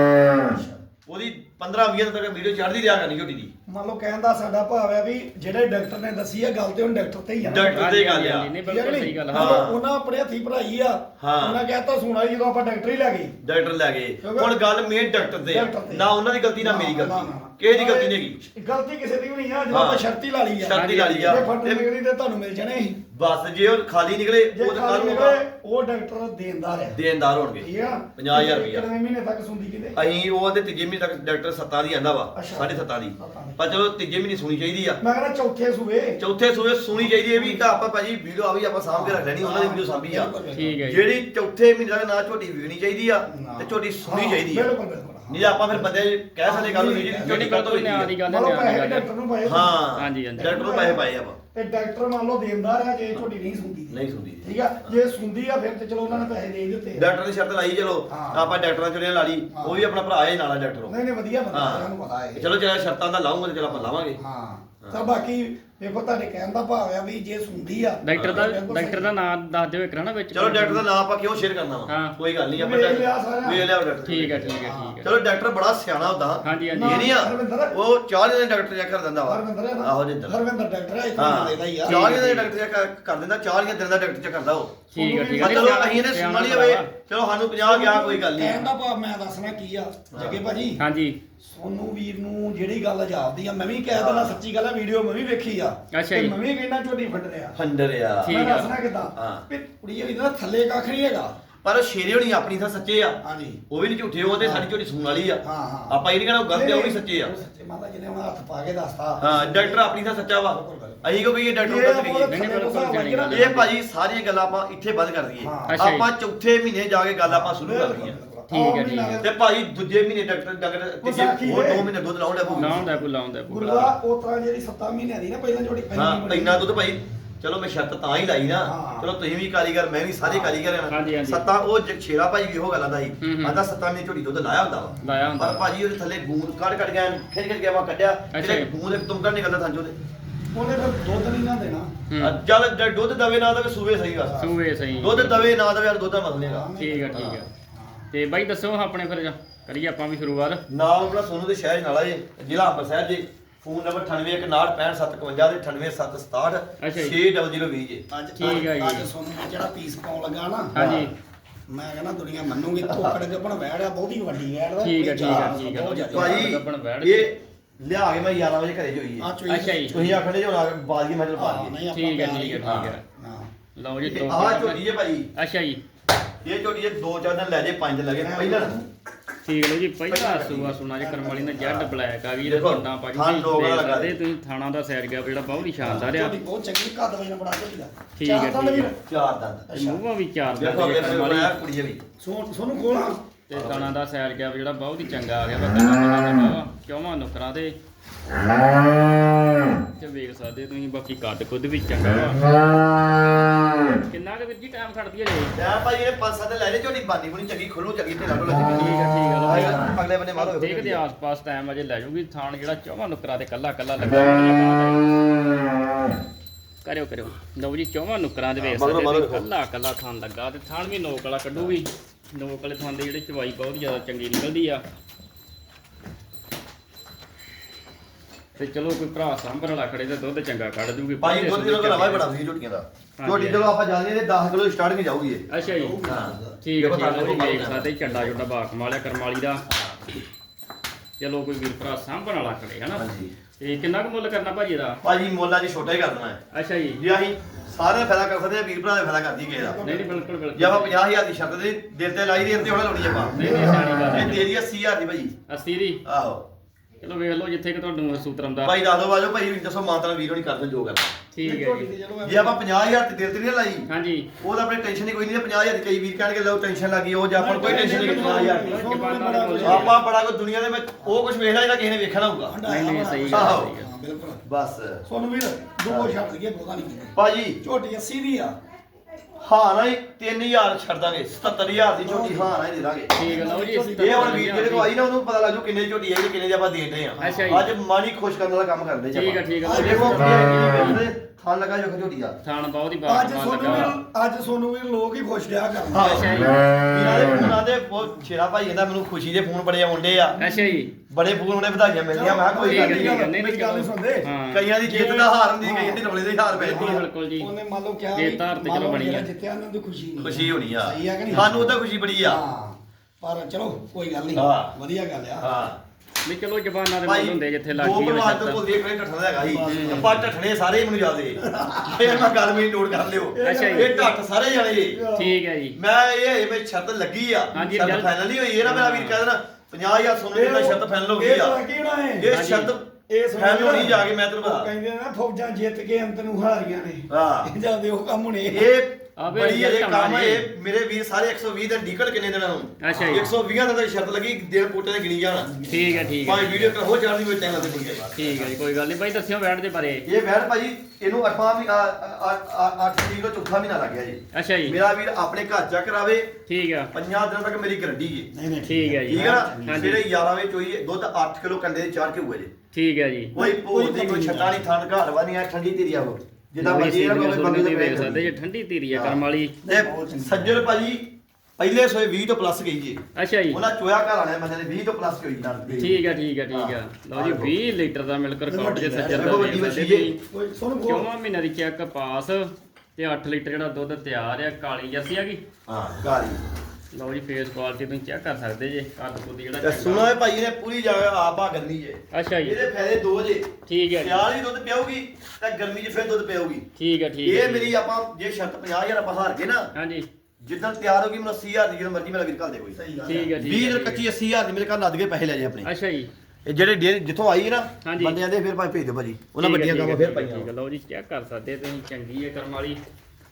B: ਚੱਲਦੀ ਉਹਦੀ ਪੰਦਰਾਂ ਵੀਹ ਦਿਨ ਤੱਕ ਵੀਡੀਓ ਚੜ੍ਹਦੀ ਰਿਹਾ ਕਰਨੀ ਝੋਟੀ ਦੀ।
C: ਮੰਨ ਲਓ ਕਹਿਣ ਦਾ ਸਾਡਾ ਭਾਵ ਹੈ ਵੀ ਜਿਹੜੇ ਡਾਕਟਰ ਨੇ ਦੱਸੀ ਹੈ ਗੱਲ ਤੇ ਹੁਣ ਡਾਕਟਰ ਤੇ ਹੀ ਆ।
B: ਡਾਕਟਰ ਤੇ ਗੱਲ ਆ।
A: ਨਹੀਂ ਬਿਲਕੁਲ ਸਹੀ ਗੱਲ।
B: ਹਾਂ।
C: ਉਹਨਾਂ ਆਪਣੇ ਹੱਥੀ ਭਰਾਈ ਆ।
B: ਹਾਂ।
C: ਉਹਨਾਂ ਕਹਿਤਾ ਸੁਣਾ ਜਦੋਂ ਆਪਾਂ ਡਾਕਟਰ ਹੀ ਲੈ ਗਏ।
B: ਡਾਕਟਰ ਲੈ ਗਏ। ਹੁਣ ਗੱਲ ਮੇਨ ਡਾਕਟਰ ਤੇ ਆ।
C: ਡਾਕਟਰ ਤੇ।
B: ਨਾ ਉਹਨਾਂ ਦੀ ਗਲਤੀ ਨਾ ਮੇਰੀ
C: ਨਾ, ਨਾ,
B: ਗਲਤੀ
C: ਨਾ।
B: ਕਿਸੇ ਦੀ ਗਲਤੀ ਨਹੀਂ ਹੈਗੀ।
C: ਗਲਤੀ ਕਿਸੇ ਦੀ ਵੀ ਨਹੀਂ ਆ ਜਦੋਂ
B: ਹਾਂ।
C: ਆਪਾਂ ਸ਼ਰਤੀ ਲਾ ਲਈ ਆ।
B: ਸ਼ਰਤੀ ਲਾ ਲਈ ਆ।
C: ਜੇ ਫੰਡ ਨਿਕਲੀ ਤੇ ਤੁਹਾਨੂੰ ਮਿਲ ਜਾਣੇ ਸੀ।
B: ਬਸ ਜੇ ਉਹ ਖਾਲੀ ਨਿਕਲੇ
C: ਜੇ
B: ਉਹ ਤਾਂ
C: ਖਾਲੀ
B: ਕੱਲ ਨੂੰ
C: ਨਿਕਲੇ ਉਹ ਡਾਕਟਰ ਦੇਣਦਾਰ ਆ।
B: ਦੇਣਦਾਰ ਹੋਣਗੇ।
C: ਠੀਕ ਆ
B: ਪੰਜਾਹ ਹਜ਼ਾਰ ਰੁਪਇਆ।
C: ਕਿੰਨੇ ਮਹੀਨੇ ਤੱਕ ਸੁਣਦੀ ਕਿਤੇ।
B: ਅਸੀਂ ਉਹ ਤੇ ਤੀਜੇ ਮਹੀਨੇ ਤੱਕ ਡਾਕਟਰ ਸੱਤਾਂ ਦੀ ਆਂਦਾ ਵਾ
C: ਅੱਛਾ।
B: ਸਾਢੇ ਸੱਤਾਂ ਦੀ
C: ਸੱਤਾਂ ਦੀ।
B: ਪਰ ਚਲੋ ਤੀਜੇ ਮਹੀਨੇ ਸੁਣੀ ਚਾਹੀਦੀ ਆ।
C: ਮੈਂ ਕਹਿੰਦਾ ਚੌਥੇ ਸੂਏ।
B: ਚੌਥੇ ਸੂਏ ਸੁਣੀ ਚਾਹੀਦੀ ਹੈ ਵੀ ਤਾਂ ਆਪਾਂ ਭਾਜੀ ਵੀਡੀਓ ਆ ਵੀ ਆਪਾਂ ਸਾਂਭ ਕੇ ਰੱਖ ਲੈਣੀ, ਉਹਨਾਂ ਦੀ ਵੀਡੀਓ ਸਾਂਭੀ ਆ।
A: ਠੀਕ ਹੈ ਜੀ।
B: ਜਿਹੜੀ ਚੌਥੇ ਮਹੀਨੇ ਤੱਕ ਨਾ ਝੋਟੀ ਵਿਕਣੀ ਚਾਹੀਦੀ ਆ
C: ਨਾ।
B: ਤੇ ਝੋਟੀ ਸੁਣੀ ਚਾਹੀਦੀ ਆ।
C: ਬਿਲਕੁਲ ਬਿਲਕੁਲ।
B: ਨਹੀਂ ਤਾਂ ਆਪਾਂ ਫਿਰ ਬੰਦੇ ਕਹਿ ਸਕਦੇ ਗੱਲ ਹੋਈ ਜੀ ਝੋਟੀ ਕੱਟ ਹੋਈ
A: ਨਿਆਂ ਦੀ ਗੱਲ
C: ਮੰਨ ਲਓ
A: ਨਿਆਂ ਦੀ
C: ਪੈਸੇ
A: ਗੱਲ।
C: ਡਾਕਟਰ ਨੂੰ ਪਾਏ।
B: ਹਾਂ
A: ਹਾਂਜੀ, ਹਾਂਜੀ।
B: ਡਾਕਟਰ ਨੂੰ ਪੈਸੇ ਪਾਏ ਆਪਾਂ
C: ਤੇ ਡਾਕਟਰ ਮੰਨ ਲਓ ਦੇਣਦਾਰ ਆ ਜੇ ਝੋਟੀ ਨਹੀਂ ਸੁਣਦੀ।
B: ਨਹੀਂ ਸੁਣਦੀ।
C: ਠੀਕ ਆ ਜੇ ਸੁਣਦੀ ਆ ਫਿਰ ਤੇ ਚਲੋ ਉਹਨਾਂ ਨੇ ਪੈਸੇ ਦੇ ਹੀ ਦਿੱਤੇ।
B: ਡਾਕਟਰ ਦੀ ਸ਼ਰਤ ਲਾਈ ਚਲੋ
C: ਹਾਂ।
B: ਆਪਾਂ ਡਾਕਟਰਾਂ ਚੋਂ ਲਾ ਲਈ ਉਹ ਵੀ ਆਪਣਾ ਭਰਾ ਹੈ ਨਾਲਾ ਡਾਕਟਰ ਉਹ।
C: ਨਹੀਂ ਨਹੀਂ ਵਧੀਆ ਬੰਦਾ
B: ਹਾਂ।
C: ਸਾਨੂੰ ਪਤਾ ਹੈ।
B: ਚਲੋ ਜਿਹੜਾ ਸ਼ਰਤਾਂ ਦਾ ਲਾਉਂਗੇ ਤੇ ਚਲੋ ਆਪਾਂ ਲਾਵਾਂਗੇ।
C: ਹਾਂ ਤਾਂ ਬਾਕੀ ਦੇਖੋ ਤੁਹਾਡੇ ਕਹਿਣ ਦਾ ਭਾਵ ਆ ਵੀ ਜੇ ਸੁਣਦੀ ਆ
A: ਡਾਕਟਰ ਦਾ
C: ਬਿਲਕੁਲ
A: ਡਾਕਟਰ ਦਾ ਨਾਮ ਦੱਸ ਦਿਓ ਇੱਕ ਨਾ ਵਿੱਚ।
B: ਚਲੋ ਡਾਕਟਰ ਦਾ ਨਾਮ ਆਪਾਂ ਕਿਉਂ ਸ਼ੇਅਰ ਕਰਨਾ ਵਾ
A: ਹਾਂ।
B: ਕੋਈ ਗੱਲ ਨਹੀਂ ਆਪਾਂ
C: ਵੇਖ ਲਿਆ ਸਾਰਾ।
B: ਵੇਖ ਲਿਆ ਡਾਕਟਰ।
A: ਠੀਕ ਹੈ ਠੀਕ ਹੈ ਠੀਕ ਹੈ।
B: ਚਲੋ ਡਾਕਟਰ ਬੜਾ ਸਿਆਣਾ ਹੁੰਦਾ।
A: ਹਾਂਜੀ ਹਾਂਜੀ
B: ਇਹ ਨਹੀਂ ਆ
C: ਹਰਵਿੰਦਰ।
B: ਉਹ ਚਾਰ ਦਿਨ ਡਾਕਟਰ ਚੈੱਕ ਕਰ ਦਿੰਦਾ ਵਾ।
C: ਹਰਵਿੰਦਰ ਹੈ ਨਾ।
B: ਆਹੋ ਜਿੱਦਾਂ
C: ਹਰਵਿੰਦਰ ਡਾਕਟਰ ਹੈ ਇੱਥੇ
B: ਹਾਂ
C: ਦੇਦਾ ਹੀ ਆ।
B: ਚਾਰ ਦਿਨ ਡਾਕਟਰ ਚੈੱਕ ਕਰ ਦਿੰਦਾ, ਚਾਰ ਦਿਨ ਦਾ ਡਾਕਟਰ ਚੈੱਕ ਕਰਦਾ ਉਹ।
A: ਠੀਕ ਹੈ ਠੀਕ
B: ਪਰ
A: ਹੈ।
B: ਚਲੋ ਅਸੀਂ ਇਹਨੇ ਸੁਣਾ ਲਈ ਹੋਵੇ ਚਲੋ ਸਾਨੂੰ ਪੰਜਾਹ ਗਿਆ ਕੋਈ ਗੱਲ
C: ਕਹਿਣ
B: ਨਹੀਂ।
C: ਦਾ ਭਾਵ ਮੈਂ ਦੱਸਣਾ ਕੀ ਆ ਜੱਗੇ ਭਾਜੀ।
A: ਹਾਂਜੀ
C: ਸੋਨੂ ਵੀਰ ਨੂੰ ਜਿਹੜੀ ਗੱਲ ਜਾਪਦੀ ਆ ਮੈਂ ਵੀ ਕਹਿ ਦਿੰਦਾ ਸੱਚੀ ਗੱਲ ਆ ਵੀਡੀਓ ਮੈਂ ਵੀ ਵੇਖੀ ਆ।
A: ਅੱਛਾ
C: ਤੇ
A: ਜੀ।
C: ਮੈਂ ਵੀ ਕਹਿੰਦਾ ਝੋਟੀ ਫੰਡ ਰਿਹਾ।
B: ਫੰਡਰ ਆ
A: ਠੀਕ
C: ਮੈਂ
A: ਆ।
C: ਦੱਸਣਾ ਕਿਦਾਂ
B: ਹਾਂ।
C: ਵੀ ਕੁੜੀ ਇਹਦੇ ਨਾਲ ਥੱਲੇ ਕੱਖ ਨਹੀਂ ਹੈਗਾ।
B: ਪਰ ਉਹ ਸ਼ੇਰੇ ਹੋਣੀ ਆਪਣੀ ਤਾਂ ਸੱਚੇ ਆ,
C: ਹਾਂਜੀ
B: ਉਹ ਵੀ ਨਹੀਂ ਝੂਠੇ, ਉਹ ਤੇ ਸਾਡੀ ਝੋਟੀ ਸੁਣ ਵਾਲੀ ਆ।
C: ਹਾਂ ਹਾਂ
B: ਆਪਾਂ ਇਹ ਨਹੀਂ ਕਹਿਣਾ ਉਹ ਗਲਤ ਆ, ਉਹ ਵੀ ਸੱਚੇ ਆ।
C: ਉਹ ਸੱਚੇ ਮਾਤਾ ਜਿਹਨੇ ਹੁਣ ਹੱਥ ਪਾ ਕੇ ਦੱਸਤਾ।
B: ਹਾਂ ਡਾਕਟਰ ਆਪਣੀ ਤਾਂ ਸੱਚਾ ਵਾ, ਅਸੀਂ ਕਿਉਂ ਕਹੀਏ ਡਾਕਟਰ ਗਲਤ ਕਹੀਏ।
A: ਨਹੀਂ, ਨਹੀਂ, ਬਿਲਕੁਲ ਜਾਣੀ ਗੱਲ।
B: ਇਹ ਭਾਜੀ ਸਾਰੀਆਂ ਗੱਲਾਂ ਆਪਾਂ ਇੱਥੇ ਬੰਦ ਕਰ ਦਈਏ।
C: ਹਾਂ।
A: ਅੱਛਾ ਜੀ।
B: ਆਪਾਂ ਚੌਥੇ ਮਹੀਨੇ ਜਾ ਕੇ ਗੱਲ ਆਪਾਂ ਸ਼ੁਰੂ ਕਰ ਦਈਏ।
A: ਠੀਕ ਹੈ, ਠੀਕ ਹੈ।
B: ਤੇ ਭਾਜੀ ਦੂਜੇ ਮਹੀਨੇ ਡਾਕਟਰ ਡਾਕਟਰ ਤੀਜੇ
C: ਵਿਸਾਖੀ
B: ਹੋਰ
C: ਦੇ।
B: ਦੋ ਮਹੀਨੇ ਦੁੱਧ ਲਾਉਂਦਾ ਪਊ।
A: ਲਾਉਂਦਾ ਕੋਈ ਲਾਉਂਦਾ ਕੋਈ।
C: ਗੁਰੂਆ ਉਹ ਤਰ੍ਹਾਂ ਜਿਹੜੀ ਸੱਤਾਂ ਮਹੀਨਿਆਂ ਦੀ ਨਾ ਪਹਿਲਾਂ ਝੋਟੀ ਪੈਂਦੀ
B: ਹਾਂ
C: ਬੜੀ।
B: ਇੰਨਾ ਦੁੱਧ ਭਾਈ ਚਲੋ ਮੈਂ ਸ਼ਰਤ ਤਾਂ ਹੀ ਲਾਈ ਨਾ।
C: ਹਾਂ।
B: ਚਲੋ ਤੁਸੀਂ ਵੀ ਕਾਰੀਗਰ ਮੈਂ ਵੀ ਸਾਰੇ ਕਾਰੀਗਰ
A: ਹਾਂਜੀ,
B: ਹਾਂ।
A: ਹਾਂਜੀ।
B: ਸੱਤਾਂ ਉਹ ਜ- ਸ਼ੇਰਾ ਭਾਈ ਵੀ ਉਹ ਗੱਲਾਂ ਦਾ ਸੀ
A: ਹੂੰ, ਹੂੰ।
B: ਆਂਦਾ ਸੱਤਾਂ ਮਹੀਨੇ ਝੋਟੀ ਦੁੱਧ ਲਾਇਆ ਹੁੰਦਾ ਵਾ।
A: ਲਾਇਆ ਹੁੰਦਾ
B: ਪਰ ਭਾਜੀ ਉਹਦੇ ਥੱਲੇ ਗੂੰਦ ਕੱਢ ਕੱਢ ਗਿਆ ਖਿੱਚ ਖਿੱਚ ਗਿਆ ਵਾ ਕੱਢਿਆ
A: ਅੱਛਾ
B: ਜਿਹੜੇ
A: ਜੀ।
B: ਗੂੰਦ ਇੱਕ ਤੁਮਕਾ ਨਿਕਲਦਾ ਥਾਂ ਉਹਦੇ।
C: ਉਹਨੇ ਫਿਰ ਦੁੱਧ ਨਹੀਂ ਨਾ ਦੇਣਾ।
A: ਹੂੰ।
B: ਚੱਲ ਜ- ਦੁੱਧ ਦਵੇ ਨਾ ਦਵੇ ਸੂਵੇ ਸਹੀ ਗੱਲ।
A: ਸੂਏ ਸਹੀ।
B: ਦੁੱਧ ਦਵੇ ਨਾ ਦਵੇ ਦੁੱਧ ਦਾ ਮਸਲੇ ਦਾ।
A: ਠੀਕ ਹੈ ਠੀਕ ਹੈ। ਤੇ ਬਾਈ ਦੱਸੋ ਆਪਣੇ ਫਿਰ ਜਾ ਕਰੀਏ ਆਪਾਂ ਵੀ ਸ਼ੁਰੂਆਤ।
B: ਨਾਮ ਆਪਣਾ ਸੋਨੂ ਦੇ ਸ਼ਹਿਰ ਨਾਲਾ ਜੀ, ਜ਼ਿਲ੍ਹਾ ਅੰਮ੍ਰਿਤਸਰ ਜੀ। ਫੋਨ ਨੰਬਰ ਅਠਾਨਵੇਂ ਇੱਕ ਉਨਾਹਠ ਪੈਂਹਠ ਸੱਤ ਇਕਵੰਜਾ ਤੇ ਅਠਾਨਵੇਂ ਸੱਤ ਸਤਾਹਠ
A: ਅੱਛਾ ਜੀ।
B: ਛੇ ਜ਼ੀਰੋ ਜ਼ੀਰੋ ਵੀਹ ਜੀ।
C: ਅੱਜ
A: ਠੀਕ ਹੈ ਜੀ।
C: ਅੱਜ ਸੋਨੂੰ ਨੇ ਜਿਹੜਾ ਪੀਸ ਪਾਉਣ ਲੱਗਾ ਨਾ।
A: ਹਾਂਜੀ
C: ਮੈਂ ਕਹਿੰਦਾ ਦੁਨੀਆ ਮੰਨੂਗੀ ਧੋਕੜ ਗੱਪਣ ਵੈੜ ਆ ਬਹੁਤੀ ਵੱਡੀ ਵੈੜ ਵਾ।
A: ਠੀਕ ਹੈ ਠੀਕ ਹੈ ਠੀਕ ਹੈ।
C: ਬਹੁਤ ਜ਼ਿਆਦਾ।
B: ਭਾਜੀ
A: ਗੱਭਣ ਬੈਠ
B: ਇਹ ਲਿਆ ਕੇ ਮੈਂ ਗਿਆਰਾਂ ਵਜੇ ਘਰੇ ਜੋਈ
C: ਆ
B: ਹੈ।
C: ਚੋਈ
A: ਅੱਛਾ ਜੀ।
B: ਤੁਸੀਂ ਆਖਣੇ ਜੋ ਨਾ ਬਾਜੀ ਮੈਂ ਚਲ ਪਾ
C: ਹਾਂ,
B: ਦਈਏ।
C: ਨਹੀਂ ਆਪਾਂ
A: ਠੀਕ ਹੈ
C: ਪਿਆਰ
A: ਠੀਕ ਹੈ
C: ਹੀ-
A: ਠੀਕ ਹੈ।
C: ਹਾਂ।
A: ਲਓ ਜੀ ਦੋ
B: ਆਹ ਝੋਟੀ ਹੈ ਭਾਈ,
A: ਅੱਛਾ ਜੀ
B: ਇਹ ਝੋਟੀ ਇਹ ਦੋ ਚਾਰ ਦਿਨ ਲੈ ਜੇ ਪੰਜ ਦਿਨ ਲੱਗੇ ਪਹਿਲਾਂ
A: ਠੀਕ ਹੈ ਜੀ। ਪਹਿਲਾ ਸੂਆ ਸੁਣਾ ਜੇ ਕਰਮ ਵਾਲੀ ਨੇ ਜੈਡ ਬਲੈਕ ਆ ਗਈ ਇਹਦੇ
B: ਦੇਖੋ,
A: ਕੰਡਾ ਪਾਜੀ
B: ਥਣ ਲੋਕ
A: ਦੇਖ
B: ਲੱਗਾ
A: ਸਕਦੇ ਤੁਸੀਂ ਥਾਣਾ ਦਾ ਸੈਰ ਗਿਆ ਜਿਹੜਾ ਬਹੁਤ ਹੀ ਸ਼ਾਨਦਾਰ ਆ।
C: ਝੋਟੀ ਬਹੁਤ ਚੰਗੀ ਕੱਦ ਵਜਨ ਬੜਾ ਝੋਟੀ ਦਾ।
A: ਠੀਕ ਹੈ,
C: ਚਾਰ ਦੰਦ
A: ਠੀਕ ਹੈ।
C: ਵੀਰ।
B: ਚਾਰ ਦੰਦ
A: ਤੇ ਮੂੰਹਾਂ ਵੀ ਚਾਰ
B: ਦੇਖੋ
A: ਦਿੰਦੇ
B: ਅੱਗੇ
A: ਕਰਮ
B: ਫਿਰ
A: ਵਾਲੀ
B: ਆਇਆ ਕੁੜੀ ਵੀ
C: ਸੋਨ ਸੋਨੂੰ ਕੋਲਾ
A: ਤੇ ਥਾਣਾ ਦਾ ਸੈਰ ਗਿਆ ਜਿਹੜਾ ਬਹੁਤ ਹੀ ਚੰਗਾ ਆ ਗਿਆ ਬੱਕਰਾ ਚੌਵਾਂ ਨੁਕਰਾਂ ਦੇ ਤੇ ਵੇਖ ਸਕਦੇ ਤੁਸੀਂ ਬਾਕੀ ਕੱਦ ਕੁੱਦ ਵੀ ਚੰਗਾ ਵਾ। ਕਿੰਨਾ ਕੁ ਵੀਰ ਜੀ ਟਾਈਮ ਖੜਦੀ ਹੈ ਜੀ?
B: ਮੈਂ ਭਾਈ ਇਹ ਪੰਜ ਸੱਤ ਲੈ ਲੈ ਝੋਟੀ ਬਾਨੀ ਬੁਣੀ ਚੰਗੀ ਖੁੱਲੂ ਚੰਗੀ ਤੇ ਲੱਗ
A: ਠੀਕ ਹੈ ਠੀਕ ਹੈ ਲਓ ਜੀ।
B: ਅਗਲੇ ਬੰਨੇ ਮਾਰੋ
A: ਦੇਖਦੇ ਆਸ-ਪਾਸ ਟਾਈਮ ਅਜੇ ਲੈ ਜੂਗੀ ਥਾਣ ਜਿਹੜਾ ਚੌਵਾਂ ਨੁਕਰਾਂ ਤੇ ਕੱਲਾ ਕੱਲਾ ਲੱਗਾ ਕਰਿਓ ਕਰਿਓ ਲਓ ਜੀ ਚੌਵਾਂ ਨੁਕਰਾਂ ਦੇ ਵੇਖ ਸਕਦੇ ਤੁਸੀਂ ਕੱਲਾ ਕੱਲਾ ਥਾਣ ਲੱਗਾ ਤੇ ਥਾਣ ਵੀ ਨੋਕ ਵਾਲਾ ਕੱਢੂਗੀ। ਨੋਕ ਵਾਲੇ ਥਾਣ ਦੇ ਜਿਹੜੇ ਚਵਾਈ ਬਹੁਤ ਜ਼ਿਆਦਾ ਚੰਗੀ ਨਿਕਲਦੀ ਆ। ਤੇ ਚਲੋ ਕੋਈ ਭਰਾ ਸਾਂਭਣ ਵਾਲਾ ਖੜੇ ਤੇ ਦੁੱਧ ਚੰਗਾ ਕੱਢ ਦੂਗੀ
B: ਭਾਈ ਦੁੱਧ ਕਿਲੋ ਦਾ ਰਵਾ ਬੜਾ ਸੀ ਝੋਟੀਆਂ ਦਾ ਝੋਟੀ ਚਲੋ ਆਪਾਂ ਜਾਂਦੇ ਨੇ ਦਸ ਕਿਲੋ ਸਟਾਰਟ ਨਹੀਂ ਜਾਊਗੀ ਇਹ
A: ਅੱਛਾ ਜੀ ਠੀਕ ਹੈ ਠੀਕ ਹੈ ਜੀ ਦੇਖ ਸਕਦੇ ਝੰਡਾ ਝੁੰਡਾ ਬਾਕਮ ਵਾਲਿਆ ਕਰਮਾਲੀ ਦਾ ਚਲੋ ਕੋਈ ਵੀਰ ਭਰਾ ਸਾਂਭਣ ਵਾਲਾ ਖੜੇ ਹਨਾ ਤੇ ਕਿੰਨਾ ਕੁ ਮੁੱਲ ਕਰਨਾ ਭਾਜੀ ਇਹਦਾ
B: ਭਾਜੀ ਮੁੱਲ ਅੱਜ ਛੋਟਾ ਹੀ ਕਰ ਦੇਣਾ ਹੈ
A: ਅੱਛਾ ਜੀ
B: ਜੇ ਅਸੀਂ ਸਾਰਿਆਂ ਦਾ ਫਾਇਦਾ ਕਰ ਸਕਦੇ ਆ ਵੀਰ ਭਰਾ ਦਾ ਫਾਇਦਾ ਕਰਦੀ ਕਿਸੇ ਦਾ
A: ਨਹੀਂ ਨਹੀਂ ਬਿਲਕੁਲ ਬਿਲਕੁਲ
B: ਜੇ ਆਪਾਂ ਪੰਜਾਹ ਹਜ਼ਾਰ ਦੀ ਸ਼ਰਤ ਦੇ ਦਿਲ ਤੇ ਲਾਈ ਦੇ ਤੇ ਹੁਣ ਲਾਉਣੀ ਆਪਾਂ
A: ਨਹੀਂ ਨਹੀਂ ਸਿਆਣੀ ਗੱਲ
B: ਇਹ
A: ਹੈ
B: ਦੇ ਦੀ ਅੱਸੀ ਹਜ਼ਾਰ ਦੀ ਭਾਜੀ
A: ਅੱਸੀ ਦੀ
B: ਆਹੋ
A: ਚਲੋ ਵੇਖ ਲਓ ਜਿੱਥੇ ਕਿ ਤੁਹਾਨੂੰ ਸੂਤਰਮ ਦਾ
B: ਭਾਈ ਦੱਸ ਦੋ ਬਾਜੋ ਭਾਈ ਦੱਸੋ ਮਾਤਾ ਵੀਰ ਹੋਣੀ ਕਰਦੇ ਜੋ ਕਰਨਾ
A: ਠੀਕ ਹੈ ਜੀ
B: ਜੇ ਆਪਾਂ ਪੰਜਾਹ ਹਜ਼ਾਰ ਤੇ ਦਿਲ ਤੇ ਨਹੀਂ ਲਾਈ
A: ਹਾਂਜੀ
B: ਉਹਦਾ ਆਪਣੇ ਟੈਨਸ਼ਨ ਹੀ ਕੋਈ ਨਹੀਂ ਪੰਜਾਹ ਹਜ਼ਾਰ ਦੀ ਕਈ ਵੀਰ ਕਹਿਣਗੇ ਲਓ ਟੈਨਸ਼ਨ ਲੱਗੀ ਉਹ ਜੇ ਆਪਾਂ ਨੂੰ ਕੋਈ ਟੈਨਸ਼ਨ ਨਹੀਂ ਪੰਜਾਹ ਹਜ਼ਾਰ ਦੀ ਆਪਾਂ ਬੜਾ ਕੋਈ ਦੁਨੀਆ ਦੇ ਵਿੱਚ ਉਹ ਕੁਝ ਵੇਖਣਾ ਜਿਹੜਾ ਕਿਸੇ ਨੇ ਵੇਖਣਾ ਹੋਊਗਾ
A: ਨਹੀਂ ਨਹੀਂ ਸਹੀ ਗੱਲ
B: ਆਹੋ।
A: ਸਹੀ ਗੱਲ
C: ਬਿਲਕੁਲ
B: ਬਸ
C: ਸੋਨੂੰ ਵੀਰ ਦੋ ਛੱਡ ਦਈਏ ਬਹੁਤਾ ਨਹੀਂ ਕੀਤਾ
B: ਭਾਜੀ
C: ਝੋਟੀ ਅੱਸੀ ਦੀ ਆ
B: ਹਾਂ ਨਾ ਤਿੰਨ ਹਜ਼ਾਰ ਛੱਡ ਦਾਂਗੇ ਸਤੱਤਰ ਹਜ਼ਾਰ ਦੀ ਝੋਟੀ ਹਾਂ ਨਾ ਹੀ ਦੇ ਦਾਂਗੇ
A: ਠੀਕ ਹੈ ਲਓ ਜੀ
B: ਇਹ ਹੁਣ ਵੀਰ ਜਿਹੜੇ ਕੋ ਆਈ ਨਾ ਉਹਨੂੰ ਪਤਾ ਲੱਗ ਜੂ ਕਿੰਨੇ ਦੀ ਝੋਟੀ ਹੈ ਤੇ ਕਿੰਨੇ ਦੀ ਆਪਾਂ ਦੇ ਰਹੇ
A: ਅੱਛਾ
B: ਆ
A: ਜੀ।
B: ਅੱਜ ਮਨ ਹੀ ਖੁਸ਼ ਕਰਨ ਵਾਲਾ ਕੰਮ ਕਰਦੇ ਜੀ
A: ਠੀਕ ਹੈ ਠੀਕ ਹੈ
B: ਦੇਖੋ
A: ਲਓ
B: ਥਾਂ ਲਗਾ ਜੋ ਝੋਟੀ ਦਾ
A: ਥਾਣ ਬਹੁਤ ਹੀ
C: ਅੱਜ
A: ਬਾਤ
C: ਸੋਨੂੰ
A: ਲੱਗਾ
C: ਵੀਰ ਅੱਜ ਸੋਨੂੰ ਵੀਰ ਲੋਕ ਹੀ ਖੁਸ਼ ਰਿਹਾ ਕਰਨ
B: ਹਾਂ
A: ਅੱਛਾ ਜੀ।
B: ਵੀਰਾਂ ਦੇ ਫੋਨ ਆਦੇ ਬਹੁਤ ਛੇਰਾ ਭਾਈ ਕਹਿੰਦਾ ਮੈਨੂੰ ਖੁਸ਼ੀ ਦੇ ਫੋਨ ਬੜੇ ਆਉਂਦੇ ਆ
A: ਅੱਛਾ ਜੀ
B: ਬੜੇ ਫੋਨ ਉਹਨੇ ਵਧਾਈਆਂ ਮਿਲਦੀਆਂ ਮੈਂ ਕਿਹਾ ਕੋਈ
A: ਠੀਕ ਹੈ
B: ਗੱਲ
A: ਠੀਕ ਹੈ
B: ਨਹੀਂ
A: ਨਹੀਂ
C: ਮੇਰੀ ਗੱਲ ਨਹੀਂ ਸੁਣਦੇ
A: ਹਾਂ
B: ਕਈਆਂ ਦੀ ਜਿੱਤ ਦਾ ਹਾਰ ਹੁੰਦੀ ਕਈਆਂ ਦੀ ਰੌਲੇ ਦੀ ਹਾਰ ਪੈਂਦੀ
A: ਬਿਲਕੁਲ
B: ਆ
A: ਬਿਲਕੁਲ ਜੀ
C: ਉਹਨੇ ਮੰਨ ਲਓ ਕਿਹਾ
A: ਇਹ
C: ਵੀ
A: ਧਾਰ ਤੇ
C: ਮੰਨ
A: ਚਲੋ
C: ਲਓ
A: ਬਣੀ
C: ਜਿਹੜਾ
A: ਆ
C: ਜਿੱਤਿਆ ਉਹਨਾਂ ਦੀ ਖੁਸ਼ੀ ਨਹੀਂ
B: ਖੁਸ਼ੀ ਹੋਣੀ ਆ
C: ਸਹੀ ਆ ਕਿ ਨਹੀਂ?
B: ਸਾਨੂੰ ਉਹਦਾ ਖੁਸ਼ੀ ਬੜੀ ਆ
C: ਹਾਂ ਪਰ ਚਲੋ ਕੋਈ ਗੱਲ ਨਹੀਂ
B: ਹਾਂ।
C: ਵਧੀਆ ਗੱਲ ਆ
B: ਹਾਂ
A: ਨਹੀਂ ਚਲੋ ਜ਼ਬਾਨਾਂ ਦੇ
B: ਭਾਈ
A: ਮੁੱਲ ਹੁੰਦੇ ਜਿੱਥੇ
B: ਦੋ
A: ਲੱਗੀ
B: ਪਰਿਵਾਰ ਤੋਂ ਬੋਲਦੀ ਇੱਕ ਢੱਠਣ ਦਾ ਹੈਗਾ ਸੀ ਆਪਾਂ ਢੱਠਣੇ ਸਾਰੇ ਹੀ ਮੈਨੂੰ ਯਾਦ ਏ ਇਹ ਮੈਂ ਗੱਲ ਵੀ ਨੋਟ ਕਰ ਲਿਓ
A: ਅੱਛਾ ਜੀ।
B: ਇਹ ਢੱਠ ਸਾਰੇ ਜਾਣੇ ਜੀ
A: ਠੀਕ ਹੈ ਜੀ
B: ਮੈਂ ਇਹ ਇਹ ਮੇਰੀ ਸ਼ਰਤ ਲੱਗੀ ਆ
A: ਹਾਂਜੀ,
B: ਸ਼ਰਤ
A: ਜਲ-
B: ਫਾਈਨਲ ਨਹੀਂ ਹੋਈ ਇਹ ਨਾ ਮੇਰਾ ਵੀਰ ਕਹਿ ਦੇਣਾ ਪੰਜਾਹ ਹਜ਼ਾਰ ਸੋਨੇ ਦੀ ਤਾਂ ਸ਼ਰਤ ਫਾਈਨਲ ਹੋ ਗਈ
C: ਇਹ
B: ਆ
C: ਤਾਂ ਕੀ ਹੋਣਾ ਹੈ
B: ਇਹ
A: ਹਾਂਜੀ।
B: ਸ਼ਰਤ
C: ਇਹ
B: ਫਾਈਨਲ ਹੋਣੀ ਜਾ ਕੇ ਮੈਂ ਤੈਨੂੰ
C: ਉਹ
B: ਬਤਾ
C: ਕਹਿੰਦੇ ਨਾ ਫੌਜਾਂ ਜਿੱਤ ਕੇ ਅੰਤ ਨੂੰ ਹਾਰੀਆਂ ਨੇ
B: ਹਾਂ
C: ਜਾਂਦੇ ਉਹ ਕੰਮ ਹੋਣੇ
B: ਇਹ
A: ਆਵੇ
B: ਬੜੀ ਇਹ
A: ਢੰਗ
B: ਕੰਮ
A: ਨਾਲ
B: ਇਹ ਮੇਰੇ ਵੀਰ ਸਾਰੇ ਇੱਕ ਸੌ ਵੀਹ ਦਿਨ ਨਿਕਲ ਕਿੰਨੇ ਦਿਨਾਂ ਨੂੰ
A: ਅੱਛਾ ਜੀ।
B: ਇੱਕ ਸੌ ਵੀਹ ਦਿਨਾਂ ਦੀ ਸ਼ਰਤ ਲੱਗੀ ਦਿਨ ਕੋਟੇ ਦੇ ਗਿਣੀ ਜਾਣਾ
A: ਠੀਕ ਹੈ ਠੀਕ ਹੈ
B: ਭਾਵੇਂ ਵੀਡੀਓ ਕਰ ਹੋ ਚਾੜਨੀ ਮੇਰੇ ਚੈਨਲ ਤੇ ਪਈ ਹੈ
A: ਠੀਕ ਹੈ ਜੀ ਕੋਈ ਗੱਲ ਨਹੀਂ ਬਾਈ ਦੱਸਿਓ ਬੈਠ ਦੇ ਬਾਰੇ
B: ਇਹ ਵੈੜ ਭਾਜੀ ਇਹਨੂੰ ਅੱਠਵਾਂ ਵੀ ਅੱਠ ਤਰੀਕ ਤੋਂ ਚੌਥਾ ਮਹੀਨਾ ਲੱਗ ਗਿਆ ਜੀ
A: ਅੱਛਾ ਜੀ
B: ਮੇਰਾ ਵੀਰ ਆਪਣੇ ਘਰ ਚੈੱਕ ਕਰਾਵੇ
A: ਠੀਕ ਆ
B: ਪੰਜਾਂ ਦਿਨਾਂ ਤੱਕ ਮੇਰੀ ਗਰੰਟੀ ਹੈ
C: ਨਹੀਂ ਨਹੀਂ
A: ਠੀਕ ਹੈ ਜੀ
B: ਠੀਕ ਹੈ ਨਾ
A: ਹਾਂਜੀ
B: ਸਵੇਰੇ ਗਿਆਰਾਂ ਵਜੇ ਚੋਈ ਦੁੱਧ ਅੱਠ ਕਿਲੋ ਕੰਡੇ ਦੇ ਚਾਰ ਕੇ ਹੋਏ ਜੀ
A: ਠੀਕ ਹੈ ਜੀ
B: ਕੋਈ ਭੋਜ ਦੀ ਕੋਈ ਛੱਟਾ ਨਹੀਂ ਥਣ ਘਾੜਵਾ ਨਹੀਂ ਆ ਠੰਡੀ ਤੇਰੀ ਆ ਉਹ ਜਿੱਦਾਂ
A: ਕੋਈ
B: ਮਰਜੀ
A: ਸੀਰੀਅਲ
B: ਕੋਈ
A: ਸੁਣਨ
B: ਬੰਦੇ
A: ਦੀ
B: ਦੇ
A: ਵੇਖ ਸਕਦੇ ਜੇ ਠੰਡੀ ਧੀਰੀ ਆ ਕਰਮ ਵਾਲੀ
B: ਤੇ ਸੱਜਣ ਭਾਜੀ ਪਹਿਲੇ ਸੋਏ ਵੀਹ ਤੋਂ ਪਲੱਸ ਗਈ ਜੀ
A: ਅੱਛਾ ਜੀ
B: ਉਹਨਾਂ ਚੋਇਆ ਘਰ ਵਾਲੇ ਬੰਦੇ ਨੇ ਵੀਹ ਤੋਂ ਪਲੱਸ ਹੋਈ ਨਾਲ
A: ਠੀਕ ਹੈ ਠੀਕ ਹੈ ਠੀਕ ਆ ਲਓ ਜੀ ਵੀਹ ਲੀਟਰ ਦਾ ਮਿਲਕ ਰਿਕਾਰਡ ਜੇ ਸੱਜਰ ਦਾ
B: ਦੇਖੋ
A: ਦੇਖ
B: ਵੱਡੀ
A: ਸਕਦੇ
B: ਵੱਡੀ
A: ਜੀ
C: ਕੋਈ ਸੁਣ ਬੋਲ
A: ਚੌਵਾਂ ਮਹੀਨਿਆਂ ਦੀ ਚੈੱਕ ਪਾਸ ਤੇ ਅੱਠ ਲੀਟਰ ਜਿਹੜਾ ਦੁੱਧ ਤਿਆਰ ਆ ਕਾਲੀ ਜਰਸੀ ਆ ਗਈ
B: ਹਾਂ ਗਾਲੀ
A: ਲਓ ਜੀ ਫੇਸ ਕੁਆਲਿਟੀ ਤੁਸੀਂ ਚੈੱਕ ਕਰ ਸਕਦੇ ਜੇ ਕੱਦ ਕੁੱਦ ਜਿਹੜਾ
B: ਤੇ
A: ਚੰਗਾ।
B: ਸੁਣੋ ਇਹ ਭਾਈ ਨੇ ਪੂਰੀ ਜਗ੍ਹਾ ਆਪ ਆ ਗਰਮੀ ਜੇ
A: ਅੱਛਾ ਜੀ
B: ਇਹਦੇ ਫਾਇਦੇ ਦੋ ਜੇ
A: ਠੀਕ ਹੈ ਜੀ
B: ਸਿਆਲ ਵੀ ਦੁੱਧ ਪਿਆਊਗੀ ਤੇ ਗਰਮੀ 'ਚ ਫਿਰ ਦੁੱਧ ਪਿਆਊਗੀ
A: ਠੀਕ ਹੈ ਠੀਕ ਹੈ
B: ਇਹ ਮੇਰੀ ਆਪਾਂ ਜੇ ਸ਼ਰਤ ਪੰਜਾਹ ਹਜ਼ਾਰ ਆਪਾਂ ਹਾਰ ਗਏ ਨਾ
A: ਹਾਂਜੀ
B: ਜਿੱਦਾਂ ਤਿਆਰ ਹੋ ਗਈ ਮੈਨੂੰ ਅੱਸੀ ਹਜ਼ਾਰ ਦੀ ਜਦੋਂ ਮਰਜ਼ੀ ਮੇਰਾ ਵੀਰ ਘੱਲ ਦੇ ਕੋਈ
C: ਸਹੀ ਗੱਲ
A: ਠੀਕ ਹੈ ਠੀਕ
B: ਵੀਹ
A: ਹੈ,
B: ਦਿਨ
A: ਠੀਕ ਹੈ।
B: ਕੱਚੀ ਅੱਸੀ ਹਜ਼ਾਰ ਦੀ ਮੇਰੇ ਘਰ ਲੱਦ ਕੇ ਪੈਸੇ ਲੈ ਜੇ ਆਪਣੇ
A: ਅੱਛਾ ਜੀ
B: ਇਹ ਜਿਹੜੇ ਡੇਰੇ ਜਿੱਥੋਂ ਆਈ ਨਾ
A: ਹਾਂਜੀ।
B: ਬੰਦਿਆਂ ਦੇ ਫਿਰ ਭਾਈ ਭੇਜ ਦਿਓ ਭਾਜੀ ਉਹਨਾਂ
A: ਠੀਕ ਹੈ,
B: ਵੱਡੀਆਂ
A: ਠੀਕ
B: ਕਾਮਾਂ
A: ਹੈ,
B: ਫਿਰ
A: ਠੀਕ ਹੈ,
B: ਪਾਈਆਂ
A: ਠੀਕ ਹੈ, ਲਓ ਜੀ ਚੈੱਕ ਕਰ ਸਕਦੇ ਤੁਸੀਂ ਚੰਗੀ ਹੈ ਕਰਮ ਵਾਲੀ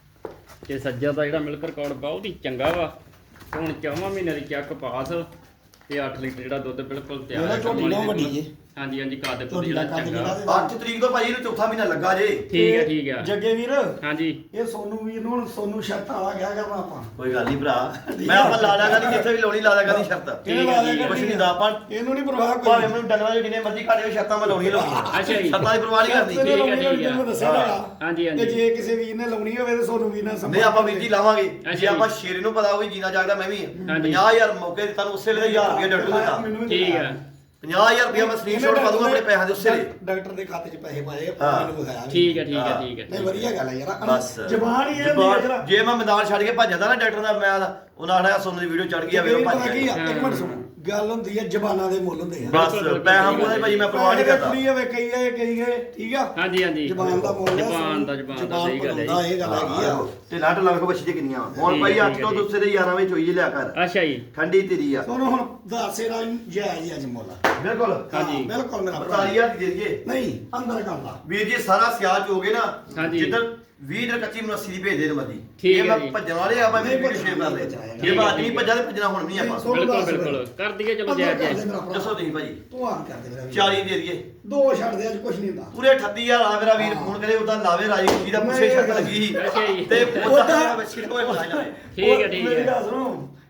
A: ਤੇ ਸੱਜਾ ਦਾ ਜਿਹੜਾ ਮਿਲਕ ਰਿਕਾਰਡ ਬਹੁਤ ਹੀ ਚੰਗਾ ਵਾ ਤੇ ਹੁਣ ਚੌਵਾਂ ਮਹੀਨੇ ਦੀ ਚੱਕ ਪਾਸ ਤੇ ਅੱਠ ਲੀਟਰ ਜਿਹੜਾ ਦੁੱਧ ਬਿਲਕੁਲ ਤਿਆਰ
C: ਮੇਰਾ
A: ਹੈ
C: ਝੋਟੀ
A: ਕਰਮ
C: ਨਾ
A: ਵਾਲੀ
C: ਵੱਡੀ
A: ਦੇ
C: ਜੇ
A: ਹਾਂਜੀ ਹਾਂਜੀ ਕੱਦ ਕੁੱਦ
C: ਝੋਟੀ ਦਾ
A: ਜਿਹੜਾ
C: ਕੱਦ
A: ਚੰਗਾ
C: ਜਿਹੜਾ
B: ਅੱਠ ਤਰੀਕ ਤੋਂ ਭਾਈ ਇਹਨੂੰ ਚੌਥਾ ਮਹੀਨਾ ਲੱਗਾ ਜੇ
A: ਠੀਕ ਹੈ ਠੀਕ ਹੈ
C: ਜੱਗੇ ਵੀਰ
A: ਹਾਂਜੀ
C: ਇਹ ਸੋਨੂੰ ਵੀਰ ਨੂੰ ਹੁਣ ਸੋਨੂੰ ਸ਼ਰਤ ਵਾਲਾ ਕਿਆ ਕਰਨਾ ਆਪਾਂ
B: ਕੋਈ ਗੱਲ ਨਹੀਂ ਭਰਾ ਮੈਂ ਆਪਾਂ ਲਾ ਲਿਆ ਕਰਨੀ ਜਿੱਥੇ ਵੀ ਲੋਣੀ ਲਾ ਲਿਆ ਕਰਨੀ ਸ਼ਰਤ
C: ਕਿਹਨੇ ਲਾ ਲਿਆ
B: ਕੁਛ
C: ਕਰਨੀ
B: ਨਹੀਂ ਦਾ ਆਪਾਂ
C: ਇਹਨੂੰ ਨਹੀਂ ਪਰਵਾਹ
B: ਭਾਵੇਂ
C: ਕੋਈ
B: ਮੈਨੂੰ ਡੰਗਰਾਂ ਦੇ ਜਿੰਨੇ ਮਰਜ਼ੀ ਘਾੜੇ ਸ਼ਰਤਾਂ ਮੈਂ ਲਾਉਣੀ ਲਾਉਣੀ
A: ਅੱਛਾ ਜੀ।
B: ਸ਼ਰਤਾਂ ਦੀ ਪਰਵਾਹ ਨਹੀਂ ਕਰਨੀ
A: ਠੀਕ ਹੈ, ਠੀਕ ਹੈ।
C: ਮੈਨੂੰ ਦੱਸਿਆ ਹੈਗਾ।
A: ਹਾਂਜੀ
C: ਤੇ
A: ਹਾਂਜੀ
C: ਜੇ ਕਿਸੇ ਵੀਰ ਨੇ ਲਾਉਣੀ ਹੋਵੇ ਤੇ ਸੋਨੂੰ ਵੀਰ ਨਾਲ
B: ਨਹੀਂ ਆਪਾਂ ਵੀਰ ਜੀ ਲਾਵਾਂਗੇ
A: ਅੱਛਾ
B: ਜੇ
A: ਜੀ।
B: ਆਪਾਂ ਸ਼ੇਰੇ ਨੂੰ ਪਤਾ ਹੋਵੇ ਜੀਣਾ ਜਾਗਦਾ ਮੈਂ ਵੀ ਹਾਂ।
A: ਹਾਂਜੀ।
B: ਪੰਜਾਹ ਹਜ਼ਾਰ ਮੌਕੇ ਤੇ ਤੁਹਾਨੂੰ ਉਸੇ ਵੇਲੇ ਹਜ਼ਾਰ ਰੁਪਏ ਡਾਕਟਰ ਨੂੰ ਦਿੱਤਾ
C: ਮੈਨੂੰ ਵੀ
A: ਠੀਕ
C: ਦਿਖਾਇਆ।
A: ਹੈ
B: ਪੰਜਾਹ ਹਜ਼ਾਰ ਰੁਪਏ ਮੈਂ ਸਕਰੀਨਸ਼ਾਟ ਪਾ ਦੂੰਗਾ ਆਪਣੇ ਪੈਸਿਆਂ ਦੇ ਉਸੇ ਵੇਲੇ
C: ਡਾਕਟਰ ਦੇ ਖਾਤੇ 'ਚ ਪੈਸੇ ਪਾਏ
B: ਹਾਂ।
C: ਮੈਨੂੰ ਵਿਖਾਇਆ ਵੀ।
A: ਠੀਕ ਹੈ ਠੀਕ ਹੈ
B: ਹਾਂ।
A: ਠੀਕ ਹੈ
C: ਨਹੀਂ ਵਧੀਆ ਗੱਲ ਹੈ ਯਾਰ
B: ਬਸ
C: ਜ਼ਬਾਨ ਹੀ ਇਹ
B: ਜ਼ਬਾਨ-
C: ਹੁੰਦੀ ਹੈ ਜਰਾ
B: ਜੇ ਮੈਂ ਮੈਦਾਨ ਛੱਡ ਕੇ ਭੱਜ ਜਾਂਦਾ ਨਾ ਡਾਕਟਰ ਦਾ ਮੈਂ ਉਹਨਾਂ ਆਖਿਆ ਸੋਨੂੰ ਦੀ ਵੀਡੀਓ ਚੜ ਗਈ ਆ ਵੇਰੋ ਭੱਜ
C: ਪਤਾ ਕੀ ਆ
B: ਗਿਆ
C: ਇੱਕ ਮਿੰਟ ਸੁਣੋ ਗੱਲ ਹੁੰਦੀ ਹੈ ਜ਼ਬਾਨਾਂ ਦੇ ਮੁੱਲ ਹੁੰਦੇ ਆ
B: ਬਸ ਪੈਸਾ ਮੂਹਰੇ ਭਾਈ ਮੈਂ ਪਰਵਾਹ ਨਹੀਂ ਕਰਦਾ
C: ਕੁੜੀ ਹੋਵੇ ਕਈ ਹੈ ਕਈ ਹੈ ਠੀਕ ਆ
A: ਹਾਂਜੀ ਹਾਂਜੀ
C: ਜ਼ਬਾਨ ਦਾ ਮੁੱਲ ਹੈ
A: ਜ਼ਬਾਨ ਦਾ ਜ਼ਬਾਨ ਦਾ ਸਹੀ ਗੱਲ ਹੈ
C: ਦਾ
A: ਜੀ
C: ਇਹ ਗੱਲ ਹੈਗੀ ਆ
B: ਤੇ ਲੱਟ ਲੱਗ ਬੱਚੀ ਦੇ ਕਿੰਨੀਆਂ ਹੁਣ
A: ਠੀਕ
B: ਭਾਈ
A: ਹੈ,
B: ਅੱਠ ਤੋਂ
A: ਠੀਕ ਹੈ।
B: ਦੂਸਰੇ ਗਿਆਰਾਂ ਵਜੇ ਚੋਈ ਲਿਆ ਕਰ
A: ਅੱਛਾ ਜੀ
B: ਠੰਡੀ ਤੇਰੀ ਆ
C: ਤੁਹਾਨੂੰ ਹੁਣ ਦੱਸੇ ਦਾ ਜਾਇਜ਼ ਅੱਜ ਮੁੱਲ
B: ਬਿਲਕੁਲ
A: ਹਾਂਜੀ।
C: ਬਿਲਕੁਲ ਮੇਰਾ ਭਰਾ
B: ਅੜਤਾਲੀ ਹਜ਼ਾਰ ਦੀ ਦੇ ਦਈਏ
C: ਨਹੀਂ ਅੰਦਰ ਕਰ ਲਾ
B: ਵੀਰ ਜੀ ਸਾਰਾ ਸਿਆਲ ਚ ਹੋ ਗਏ ਨਾ
A: ਹਾਂਜੀ।
B: ਜਿੱਦਣ ਵੀਹ ਦਿਨ ਕੱਚੀ ਮਨੱਸੀ ਦੀ ਭੇਜ ਦੇ ਮਰਜੀ
A: ਠੀਕ
B: ਇਹ
A: ਹੈ
B: ਮੈਂ
A: ਜੀ।
B: ਭੱਜਣ ਵਾਲੇ ਆਪਾਂ
C: ਨਹੀਂ
B: ਵੀਡੀਓ
C: ਭੱਜਣਾ,
B: ਸ਼ੇਅਰ ਕਰ
C: ਨਹੀਂ
B: ਦੇ
C: ਭੱਜਣਾ
B: ਜੇ
A: ਹੈਗਾ।
B: ਬਾਤ ਨਹੀਂ ਭੱਜਾ ਤੇ ਭੱਜਣਾ ਹੁਣ ਵੀ ਨਹੀਂ ਆਪਾਂ
C: ਸੁਣ
A: ਬਿਲਕੁਲ
C: ਦੱਸ
A: ਬਿਲਕੁਲ ਕਰ ਦਈਏ ਚਲੋ
C: ਅੰਦਰ
A: ਜਾਇਜ਼
C: ਕਰ ਦੇ
A: ਜਾਇਜ਼
C: ਮੇਰਾ ਭਰਾ।
B: ਦੱਸੋ ਤੁਸੀਂ ਭਾਜੀ
C: ਤੂੰ ਆਨ ਕਰ ਦੇ ਮੇਰਾ ਵੀਰ।
B: ਚਾਲੀ ਦੇ ਦਈਏ
C: ਦੋ ਛੱਡ ਦੇ ਅੱਜ ਕੁਝ ਨਹੀਂ ਹੁੰਦਾ
B: ਪੂਰੇ ਅਠੱਤੀ ਹਜ਼ਾਰ ਆ ਮੇਰਾ ਵੀਰ ਫੋਨ ਕਰੇ ਉਦਾਂ ਲਾਵੇ ਰਾਜੀ ਖੁਸ਼ੀ ਦਾ ਪੁੱਛੇ ਸ਼ਰਤ ਲੱਗੀ ਸੀ
A: ਅੱਛਾ ਜੀ।
B: ਤੇ
C: ਉਹਦਾ-
B: ਉਹਦਾ ਬੱਚੀ ਨੂੰ ਕੋਈ ਪਤਾ ਨਹੀਂ
A: ਠੀਕ ਹੈ ਠੀਕ
C: ਮੇਰੀ
A: ਹੈ
C: ਗੱਲ ਸੁਣੋ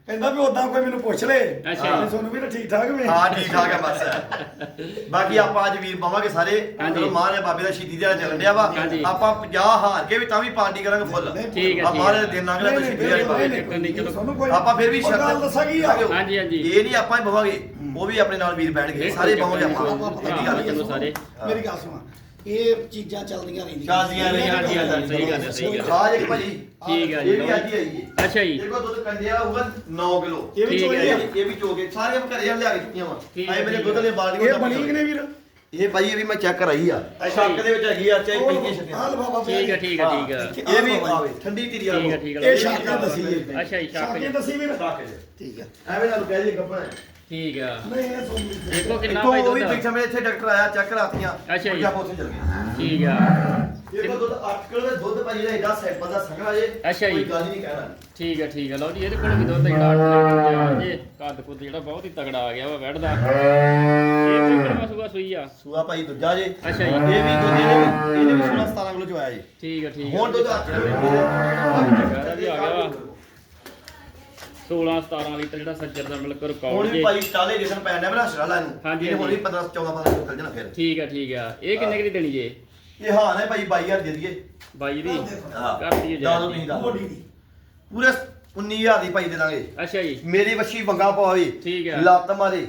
C: ਕਹਿੰਦਾ ਵੀ ਉਦਾਂ ਕੋਈ ਮੈਨੂੰ ਪੁੱਛ ਲੈ
A: ਅੱਛਾ।
C: ਵੀ ਤੁਹਾਨੂੰ ਵੀ ਤਾਂ ਠੀਕ ਠਾਕ ਵੇ
B: ਹਾਂ ਠੀਕ ਠਾਕ ਹੈ ਬਸ ਬਾਕੀ ਆਪਾਂ ਅੱਜ ਵੀਰ ਪਾਵਾਂਗੇ ਸਾਰੇ
A: ਹਾਂਜੀ।
B: ਚਲੋ ਮਹਾਰਾਜ ਬਾਬੇ ਦਾ ਸ਼ਹੀਦੀ ਦਿਹਾੜਾ ਚੱਲਣ ਡਿਆ ਵਾ
A: ਹਾਂਜੀ।
B: ਆਪਾਂ ਪੰਜਾਹ ਹਾਰ ਕੇ ਵੀ ਤਾਂ ਵੀ ਪਾਰਟੀ ਕਰਾਂਗੇ ਫੁੱਲ
A: ਠੀਕ ਹੈ,
B: ਆ
A: ਠੀਕ
B: ਮਹਾਰਾਜ
A: ਹੈ।
B: ਦੇ ਦਿਨ ਲੰਘ ਲੈ ਸ਼ਹੀਦੀ ਦਿਹਾੜੇ ਪਾਵਾਂਗੇ
A: ਨਹੀਂ, ਚਲੋ।
C: ਤੁਹਾਨੂੰ ਕੋਈ
B: ਆਪਾਂ ਫਿਰ ਵੀ
C: ਉਹ ਗੱਲ
B: ਸ਼ਰਤ
C: ਦੱਸਾਂ ਕੀ ਆ
A: ਹਾਂਜੀ, ਹਾਂਜੀ।
B: ਇਹ ਨਹੀਂ ਆਪਾਂ ਹੀ ਬਵਾਂਗੇ ਉਹ ਵੀ ਆਪਣੇ ਨਾਲ ਵੀਰ ਬੈਠਣਗੇ ਸਾਰੇ ਪਾਵਾਂਗੇ ਆਪਾਂ
C: ਆਪਾਂ ਪਤਾ
B: ਇਹਦੀ
C: ਕੀ
B: ਗੱਲ
C: ਗੱਲ
B: ਨਹੀਂ।
A: ਚਲੋ ਸਾਰੇ।
C: ਮੇਰੀ ਗੱਲ ਸੁਣਾ ਇਹ ਚੀਜ਼ਾਂ ਚੱਲਦੀਆਂ ਰਹਿੰਦੀਆਂ
B: ਚੱਲਦੀਆਂ ਰਹਿੰਦੀਆਂ,
A: ਹਾਂਜੀ, ਹਾਂਜੀ, ਸਹੀ ਗੱਲ ਹੈ, ਸਹੀ ਗੱਲ ਹੈ।
B: ਖਾਜ ਇੱਕ ਭਾਜੀ
A: ਠੀਕ ਹੈ ਜੀ।
B: ਇਹ ਵੀ ਅੱਜ ਹੀ ਆਈ ਹੈ
A: ਅੱਛਾ ਜੀ।
B: ਦੇਖੋ ਦੁੱਧ ਕੰਡਿਆ ਹੋਊਗਾ ਨੌ ਕਿਲੋ
C: ਇਹ ਵੀ
A: ਠੀਕ ਹੈ
C: ਚੋਈ ਆ
B: ਇਹ ਵੀ ਚੋਗੇ ਸਾਰੇ ਘਰੇ ਲਿਆ ਕੇ ਚੁੱਕੀਆਂ ਵਾ
A: ਠੀਕ
B: ਆਏ
A: ਹੈ,
B: ਮੇਰੇ
A: ਠੀਕ
B: ਦੁੱਧ ਦੇ ਬਾਲਟੀਆਂ
C: ਇਹ ਬਣੀ ਕਿ ਨਹੀਂ ਵੀਰ
B: ਇਹ ਭਾਈ ਇਹ ਵੀ ਮੈਂ ਚੈੱਕ ਕਰਾਈ ਆ ਸ਼ੱਕ ਦੇ ਵਿੱਚ ਹੈਗੀ ਆ ਚਾਹੇ ਪੈਂਦੀਆਂ
C: ਆਹ
B: ਛੱਡੀਆਂ
C: ਲਫਾਫਾ ਪਿਆ
A: ਠੀਕ ਹੈ, ਠੀਕ ਹੈ, ਠੀਕ ਹੈ।
B: ਇਹ ਵੀ ਆਵੇ ਠੰਡੀ ਧੀਰੀ ਆ
A: ਠੀਕ ਹੈ, ਠੀਕ ਹੈ।
C: ਇਹ ਸ਼ੱਕ ਨੇ ਦੱਸੀ ਹੈ
A: ਅੱਛਾ ਜੀ, ਸ਼ੱਕ
C: ਸ਼ੱਕ ਨੇ
A: ਜੀ।
C: ਦੱਸੀ ਵੀਰ
B: ਸ਼ੱਕ ਜੀ
C: ਠੀਕ ਹੈ
B: ਐਵੇਂ ਨਾਲ ਕਹਿ ਜੀ ਗੱਪਾ
A: ਠੀਕ ਆ।
C: ਨਹੀਂ ਇਹ ਸੋਨੀ
A: ਦੇਖੋ ਕਿੰਨਾ
B: ਇੱਥੋਂ
A: ਭਾਈ
B: ਉਹ ਵੀ
A: ਦੁੱਧ
B: ਪਿੱਛੇ ਮੇਰੇ ਇੱਥੇ ਡਾਕਟਰ ਆਇਆ ਚੈੱਕ ਕਰਾਤੀਆਂ
A: ਅੱਛਾ ਜੀ।
B: ਆਪਾਂ ਉੱਥੇ ਚੱਲ ਗਏ
A: ਠੀਕ ਆ।
B: ਇਹ ਦੁੱਧ ਅੱਠ ਕਿਲੋ ਦੇ ਦੁੱਧ ਭਾਈ ਦਾ ਐਡਾ ਸੈਂਪਲ ਦਾ ਸੰਘਣਾ ਜੇ
A: ਅੱਛਾ ਜੀ।
B: ਕੋਈ ਗੱਲ ਹੀ ਨਹੀਂ ਕਹਿਣਾ
A: ਠੀਕ ਹੈ, ਠੀਕ ਹੈ। ਲਓ ਜੀ ਇਹਦੇ ਕੋਲ ਵੀ ਦੁੱਧ ਜਿਹੜਾ ਅੱਠ ਲੀਟਰ ਆ ਜੇ ਕੱਦ ਕੁੱਦ ਜਿਹੜਾ ਬਹੁਤ ਹੀ ਤਗੜਾ ਆ ਗਿਆ ਵਾ ਵੈੜਦਾ। ਇਹ ਕੋਈ ਕਿਹੜਾ ਸੂਆ ਸੂਈ ਆ?
B: ਸੂਆ ਭਾਈ ਦੂਜਾ ਜੇ
A: ਅੱਛਾ ਜੀ।
B: ਇਹ ਵੀ ਦੁੱਧ ਇਹਨੇ ਵੀ ਇਹਨੇ ਵੀ ਸੋਲਾਂ ਸਤਾਰਾਂ ਕਿਲੋ ਚ ਆਇਆ ਜੀ
A: ਠੀਕ ਹੈ, ਠੀਕ ਹੈ।
B: ਹੁਣ ਦੁੱਧ ਅੱਠ ਕਿਲੋ
A: ਇਹਦਾ ਵੀ ਆ ਗਿਆ ਵਾ ਸੋਲਾਂ ਸਤਾਰਾਂ ਲੀਟਰ ਜਿਹੜਾ ਸੱਜਰ ਦਾ ਮਿਲਕ
B: ਹੁਣ
A: ਰਿਕਾਰਡ
B: ਵੀ
A: ਜੇ।
B: ਭਾਈ ਚਾਲੇ ਜਿਸਨ ਪੈਣ ਡਿਆ ਮੇਰਾ ਸ਼ਰਾਲਾ ਨੂੰ
A: ਹਾਂਜੀ,
B: ਇਹਨੇ ਹੁਣ
A: ਹਾਂਜੀ।
B: ਵੀ ਪੰਦਰਾਂ ਚੌਦਾਂ ਪੰਦਰਾਂ ਕਿਲੋ ਚੱਲ ਜਾਣਾ ਫਿਰ
A: ਠੀਕ ਹੈ, ਠੀਕ ਆ। ਇਹ ਕਿੰਨੇ ਕੁ ਦੀ ਦੇਣੀ ਜੇ?
B: ਇਹ ਹਾਂ ਨੇ ਭਾਈ ਬਾਈ ਹਜ਼ਾਰ ਦੇ ਦਈਏ
A: ਬਾਈ ਦੀ
B: ਹਾਂ
A: ਕਰ ਦਈਏ
B: ਦੱਸ ਦਿਓ
A: ਜੀ।
B: ਤੁਸੀਂ ਦੱਸ ਦਿਓ।
C: ਮੋਢੀ ਦੀ
B: ਪੂਰੇ ਉੱਨੀ ਹਜ਼ਾਰ ਦੀ ਭਾਈ ਦੇ ਦਾਂਗੇ
A: ਅੱਛਾ ਜੀ।
B: ਮੇਰੀ ਵੱਛੀ ਵੰਗਾ ਪਵਾਵੇ
A: ਠੀਕ ਹੈ।
B: ਲੱਤ ਮਾਰੇ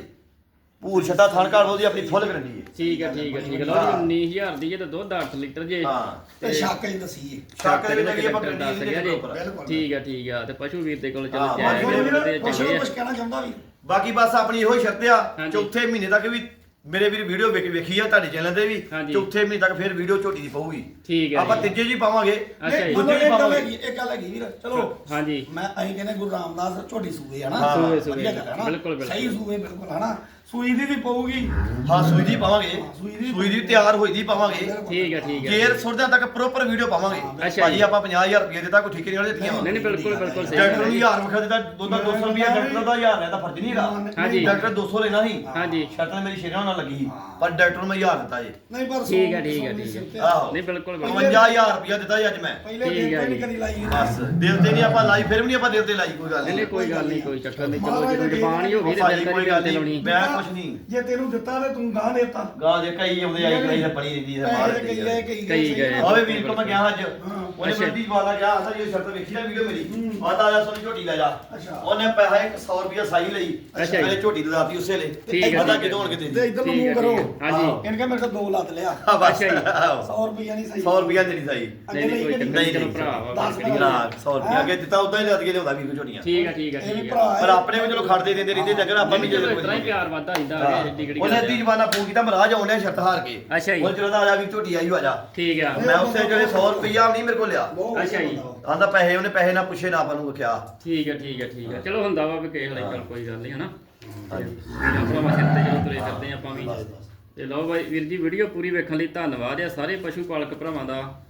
B: ਭੂਰ ਛੱਡਾ ਥਣ ਘਾੜ ਉਹਦੀ ਆਪਣੀ ਫੁੱਲ ਗਰੰਟੀ ਹੈ
A: ਠੀਕ ਹੈ, ਠੀਕ ਹੈ, ਠੀਕ ਹੈ। ਲਓ ਜੀ ਉੱਨੀ ਹਜ਼ਾਰ ਦੀ ਜੇ ਤੇ ਦੁੱਧ ਅੱਠ ਲੀਟਰ ਜੇ।
B: ਹਾਂ
C: ਤੇ ਸ਼ੱਕ ਨੇ ਦੱਸੀ ਹੈ
B: ਸ਼ੱਕ ਦੇ ਵਿੱਚ ਹੈਗੀ ਆਪਾਂ
A: ਡਾਕਟਰ ਦੱਸ
B: ਗਰੰਟੀ
A: ਗਿਆ
B: ਦੇ
A: ਜੀ।
B: ਉੱਪਰ
A: ਠੀਕ ਹੈ, ਠੀਕ ਆ। ਤੇ ਪਸ਼ੂ ਵੀਰ ਦੇ ਕੋਲ ਚਲੋ
B: ਹਾਂ,
A: ਜਾਇਜ਼
C: ਹੋਰ
A: ਰੇਟ ਤੇ
C: ਵੀਰ ਕੁਛ
A: ਚੰਗੇ ਆ।
C: ਕੁਛ ਕਹਿਣਾ ਚਾਹੁੰਦਾ ਵੀ
B: ਬਾਕੀ ਬਸ ਆਪਣੀ ਇਹੋ ਹੀ ਸ਼ਰਤ ਆ
A: ਹਾਂਜੀ।
B: ਚੌਥੇ ਮਹੀਨੇ ਤੱਕ ਵੀ ਮੇਰੇ ਵੀਰ ਵੀਡੀਓ ਵੇਖ ਵੇਖੀ ਆ ਤੁਹਾਡੇ ਚੈਨਲ ਤੇ ਵੀ
A: ਹਾਂਜੀ।
B: ਚੌਥੇ ਮਹੀਨੇ ਤੱਕ ਫਿਰ ਵੀਡੀਓ ਝੋਟੀ ਦੀ ਪਊਗੀ
A: ਠੀਕ ਹੈ
B: ਆਪਾਂ
A: ਜੀ।
B: ਤੀਜੇ ਜੀ ਪਾਵਾਂਗੇ
A: ਅੱਛਾ ਜੀ।
C: ਮਤਲਬ
B: ਦੂਜੇ
C: ਇੱਕ ਗੱਲ
B: ਪਾਵਾਂਗੇ।
C: ਹੈਗੀ ਇੱਕ ਗੱਲ ਹੈਗੀ ਵੀਰ ਚਲੋ
A: ਹਾਂਜੀ।
C: ਮੈਂ ਅਸੀਂ ਕਹਿੰਦੇ ਗੁਰੂ ਰਾਮਦਾਸ ਝੋਟੀ ਸੂਏ ਹਨਾ
B: ਹਾਂ,
A: ਸੂਏ, ਸੂਏ।
C: ਵਧੀਆ ਗੱਲ ਹੈ ਨਾ?
A: ਬਿਲਕੁਲ, ਬਿਲਕੁਲ।
C: ਸਹੀ ਸੂਏ ਬਿਲਕੁਲ ਹਨਾ ਸੂਈ ਦੀ ਵੀ ਪਊਗੀ
B: ਹਾਂ ਸੂਈ ਦੀ ਪਾਵਾਂਗੇ
C: ਸੂਈ ਦੀ-
B: ਸੂਈ ਦੀ ਤਿਆਰ ਹੋਈ ਦੀ ਪਾਵਾਂਗੇ
A: ਠੀਕ ਹੈ, ਠੀਕ ਹੈ।
B: ਗੇਰ ਸੁਰਦਿਆਂ ਤੱਕ ਪ੍ਰੋਪਰ ਵੀਡੀਓ ਪਾਵਾਂਗੇ
A: ਅੱਛਾ
B: ਭਾਜੀ
A: ਜੀ।
B: ਆਪਾਂ ਪੰਜਾਹ ਹਜ਼ਾਰ ਰੁਪਏ ਦਿੱਤਾ ਕੋਈ ਠੇਕੇ ਨਹੀਂ ਵਾਲੇ ਦਿੱਤੀਆਂ
A: ਨਹੀਂ ਨਹੀਂ ਬਿਲਕੁਲ ਬਿਲਕੁਲ ਸਹੀ
B: ਡਾਕਟਰ
A: ਗੱਲ
B: ਨੂੰ
A: ਹੈ।
B: ਹਜ਼ਾਰ ਰੁਪਏ ਦਿੱਤਾ ਦੋਦਾ ਦੋ ਸੌ ਰੁਪਏ ਡਾਕਟਰ ਦਾ ਹਜ਼ਾਰ ਲੈਦਾ ਫਰਜ਼ ਨਹੀਂ ਹੈਗਾ
A: ਹਾਂਜੀ।
B: ਡਾਕਟਰ ਦੋ ਸੌ ਲੈਣਾ ਸੀ
A: ਹਾਂਜੀ।
B: ਸ਼ਰਤ ਮੇਰੀ ਸ਼ੇਰਾਂ ਨਾਲ ਲੱਗੀ ਸੀ ਪਰ ਡਾਕਟਰ ਨੂੰ ਮੈਂ ਹਜ਼ਾਰ ਦਿੱਤਾ ਜੀ
C: ਨਹੀਂ ਪਰ
A: ਠੀਕ ਹੈ, ਠੀਕ ਹੈ, ਠੀਕ ਹੈ।
B: ਆਹੋ
A: ਨਹੀਂ ਬਿਲਕੁਲ ਬਿਲਕੁਲ।
B: ਪਚਵੰਜਾ ਹਜ਼ਾਰ ਰੁਪਏ ਦਿੱਤਾ ਜੀ ਅੱਜ ਮੈਂ
C: ਪਹਿਲੇ
A: ਠੀਕ
C: ਦਿਨ
A: ਹੈ
C: ਤੇ ਨਹੀਂ
A: ਜੀ।
C: ਕਦੀ ਲਾਈ
B: ਬਸ ਦਿਲ ਤੇ ਨਹੀਂ ਆਪਾਂ ਲਾਈ ਫਿਰ ਵੀ ਨਹੀਂ ਆਪਾਂ ਦਿਲ ਤੇ ਲਾਈ ਕੋਈ ਗੱਲ
A: ਨਹੀਂ ਨਹੀਂ
B: ਨਹੀਂ
A: ਕੋਈ ਗੱਲ ਨਹੀਂ, ਕੋਈ ਚੱਕਰ ਨਹੀਂ। ਚਲੋ ਜਦੋਂ ਜ਼ਬਾਨ ਹੀ ਹੋ ਗਈ ਤੇ
B: ਭਾਜੀ
A: ਦਿਲ ਤਾਂ
B: ਕੋਈ
A: ਨਹੀਂ
B: ਗੱਲ
A: ਗੱਲ ਤੇ ਲਾਉਣੀ।
B: ਨਹੀਂ ਮੈਂ ਕੁਛ ਨਹੀਂ
C: ਜੇ ਤੈਨੂੰ ਦਿੱਤਾ ਤੇ ਤੂੰ ਗਾਂ ਦੇਤਾ
B: ਗਾਂ ਦੇ ਕਈ ਆਉਂਦੇ ਆਈ ਕਈ ਤਾਂ ਬਣੀ ਰਹਿੰਦੀ ਹੈ ਮਾਰ
C: ਪੈਸੇ ਕਈ ਗਏ
B: ਦਿੱਤੀ
C: ਕਈ
A: ਕਈ ਗਏ।
C: ਸਹੀ
B: ਆਵੇ ਵੀਰ ਕੋ ਮੈਂ ਗਿਆ ਅੱਜ ਉਹਨੇ
A: ਅੱਛਾ।
B: ਮੰਡੀ ਵਾਲਾ ਗਿਆ ਆਸਾ ਜੀ ਸ਼ਰਤ ਵੇਖੀ ਨਾ ਵੀਡੀਓ ਮੇਰੀ ਆਦਾ ਆ ਸੋਨੀ ਝੋਟੀ ਲੈ ਜਾ
C: ਅੱਛਾ।
B: ਉਹਨੇ ਪੈਸਾ ਇੱਕ ਸੌ ਰੁਪਿਆ ਸਾਈ ਲਈ
A: ਅੱਛਾ ਜੀ।
B: ਮੇਰੇ ਝੋਟੀ ਲਦਾਤੀ ਉਸੇ ਲਈ
A: ਠੀਕ ਹੈ,
B: ਪਤਾ
A: ਠੀਕ ਹੈ।
B: ਕਿਦੋਂ ਹੋਣਗੇ
C: ਤੇ
B: ਤੇਰੀ
C: ਇਧਰ ਨੂੰ
A: ਠੀਕ ਹੈ,
C: ਮੂੰਹ ਕਰੋ
A: ਠੀਕ ਹੈ। ਹਾਂਜੀ।
C: ਇਹਨੇ ਕਿਹਾ ਮੇਰੇ ਕੋਲ ਦੋ ਲੱਤ ਲਿਆ
B: ਹਾਂ ਬਸ
A: ਅੱਛਾ ਜੀ।
C: ਸੌ ਰੁਪਈਆ ਨਹੀਂ ਸਹੀ
B: ਸੌ ਰੁਪਿਆ ਦੇਣੀ ਸਾਈ
C: ਅੱਗੇ
A: ਨਹੀਂ, ਕੋਈ
C: ਲਈ
A: ਚੱਕਰ
B: ਨਹੀਂ,
A: ਚਲੋ
B: ਨਹੀਂ,
A: ਭਰਾ ਵਾ,
C: ਦਸ
A: ਕਿਹੜੀ ਗੱਲ
B: ਨਾ
A: ਹੈ।
B: ਸੌ ਰੁਪਿਆ ਅੱਗੇ ਦਿੱਤਾ ਉਦਾਂ ਹੀ ਲੱਦ ਕੇ ਲਿਆਉਂਦਾ ਵੀਰ ਕੋ ਝੋਟੀਆਂ
A: ਠੀਕ ਹੈ, ਠੀਕ ਹੈ,
C: ਇਹ ਵੀ
A: ਠੀਕ ਹੈ।
C: ਭਰਾ
B: ਪਰ ਆਪਣੇ ਵੀ ਚਲੋ ਖੜਦੇ ਦਿੰਦੇ ਰਹਿੰਦੇ ਡੰਗਰ ਆਪਾਂ ਵੀ
A: ਚਲੋ
B: ਜਦੋਂ
A: ਇਸ ਤਰ੍ਹਾਂ ਹੀ ਪਿਆਰ ਵੱਧਦਾ ਰਹਿੰਦਾ
B: ਹਾਂ।
A: ਹੈ ਏਡੀ ਕਿਹੜੀ
B: ਉਹਨੇ
A: ਗੱਲ
B: ਅੱਧੀ
A: ਹੈ।
B: ਜਵਾਨਾ ਫੋਨ ਕੀਤਾ ਮਹਾਰਾਜ ਆਉਂਦੇ ਸ਼ਰਤ ਹਾਰ ਕੇ
A: ਅੱਛਾ ਜੀ।
B: ਉਹ ਜਦੋਂ ਦਾ ਆ ਜਾ ਵੀ ਝੋਟੀ ਆਈ ਆ ਜਾ
A: ਠੀਕ ਆ।
B: ਮੈਂ ਉਸੇ ਜਿਹੜੇ ਸੌ ਰੁਪਿਆ ਨਹੀਂ ਮੇਰੇ ਕੋਲ ਲਿਆ
C: ਬਹੁਤ
A: ਅੱਛਾ ਜੀ।
B: ਆਂਦਾ ਪੈਸੇ ਉਹਨੇ ਪੈਸੇ ਨਾ ਪੁੱਛੇ ਨਾ ਆਪਾਂ ਨੂੰ ਕਿਹਾ
A: ਠੀਕ ਹੈ, ਠੀਕ ਹੈ, ਠੀਕ ਹੈ। ਚਲੋ ਹੁੰਦਾ ਵਾ ਵੀ ਕਿਸੇ ਲਈ ਚੱਲ ਕੋਈ ਗੱਲ ਨਹੀਂ ਹਨਾ।
B: ਹਾਂਜੀ।
A: ਵੀਰਾਂ ਭਰਾਵਾਂ ਸਿਰ ਤੇ ਜਦੋਂ ਤੁਰੇ ਫਿਰਦੇ ਆਪਾਂ ਵੀ। ਤੇ ਲਓ ਬਾਈ ਵੀਰ ਜੀ ਵੀਡੀਓ ਪੂਰੀ ਵੇਖਣ ਲਈ ਧੰਨਵਾਦ ਆ ਸਾਰੇ ਪਸ਼ੂ ਪਾਲਕ ਭਰਾਵਾਂ ਦਾ।